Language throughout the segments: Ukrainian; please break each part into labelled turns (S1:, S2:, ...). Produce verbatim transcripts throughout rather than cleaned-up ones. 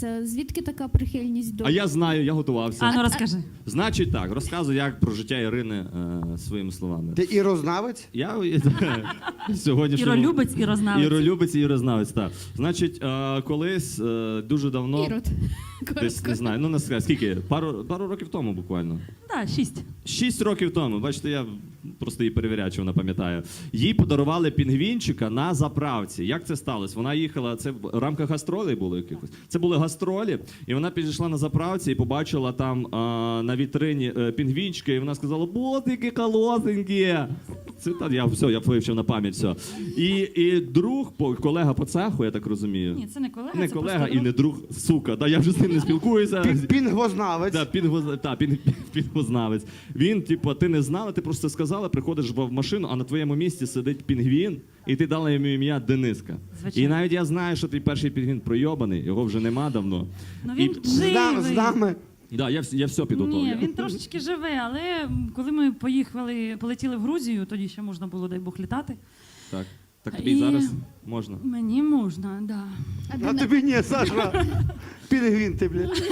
S1: Це звідки така прихильність до...
S2: А я знаю, я готувався.
S3: А ну розкажи.
S2: Значить так, розказую, як про життя Ірини е, своїми словами.
S4: Ти ірознавець?
S2: Я сьогодні
S3: Іролюбець, ірознавець.
S2: Іролюбець і ірознавець, так. Значить, е, колись е, дуже давно,
S1: Ірод.
S2: десь
S1: Коротко.
S2: не знаю, ну не скажу, скільки, пару, пару років тому буквально.
S3: Так, шість.
S2: Шість років тому, бачите, я просто її перевіряю, чи вона пам'ятає. Їй подарували пінгвінчика на заправці. Як це сталося? Вона їхала, це в рамках гастролей було якихось. Це були гастролі, і вона підійшла на заправці і побачила там а, на вітрині е, пінгвінчика, і вона сказала: «Боже, які колосенькі!» Це та я все, я вивчив на пам'ять все. І, і друг, по- колега по цеху, я так розумію.
S3: Ні, це не колега,
S2: Не
S3: це
S2: колега
S3: просто
S2: і
S3: друг.
S2: не друг, сука. Да, я вже з ним не спілкуюся.
S4: Пін- Пінгвознавець.
S2: Да, пінгоз... та, пін... пінгознавець. Він, типу, ти не знала, ти просто сказала, приходиш в машину, а на твоєму місці сидить пінгвін, і ти дала йому ім'я Дениска.
S3: Звичайно.
S2: І навіть я знаю, що твій перший пінгвін пройобаний, його вже нема давно.
S3: Ну він
S2: І...
S4: З нами, з
S3: живий.
S4: нами.
S2: Да, я, вс- я все підготовлю.
S3: Ні, він трошечки живе, але коли ми поїхали, полетіли в Грузію, тоді ще можна було, дай Бог, літати.
S2: Так, так тобі
S3: І-
S2: і зараз можна.
S3: Мені можна, так. Да.
S1: А
S4: А
S1: Дена-
S4: тобі ні, Саша. Пінгвін ти, блядь.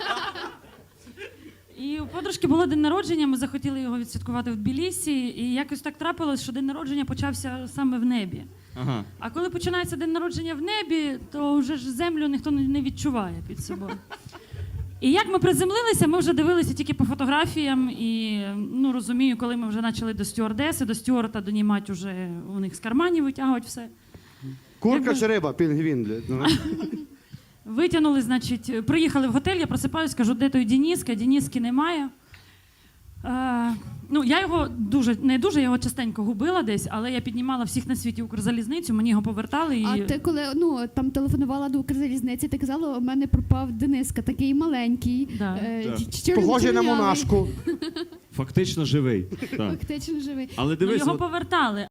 S3: І у подружки було день народження, ми захотіли його відсвяткувати в Тбілісі, і якось так трапилось, що день народження почався саме в небі.
S2: Ага.
S3: А коли починається день народження в небі, то вже ж землю ніхто не не відчуває під собою. І як ми приземлилися, ми вже дивилися тільки по фотографіям, і ну розумію, коли ми вже почали до стюардеси, до стюарта донімати вже у них з карманів витягувати все.
S4: Курка
S3: Якби-
S4: чи риба? Пінгвін, блядь. Ну.
S3: Витягнули, значить, приїхали в готель, я просипаюсь, кажу, де той Дениска, Дениски немає. Е, ну, я його дуже, не дуже, я його частенько губила десь, але я піднімала всіх на світі Укрзалізницю, мені його повертали. І...
S1: А ти коли ну там телефонувала до Укрзалізниці, ти казала, у мене пропав Дениска, такий маленький,
S3: Да.
S1: е,
S2: Да.
S1: чор-
S4: Похожий на
S1: чорнявий,
S4: монашку.
S2: Фактично живий. Так.
S1: Фактично живий.
S2: Але
S3: Ну,
S2: дивись,
S3: його
S2: от-
S3: повертали.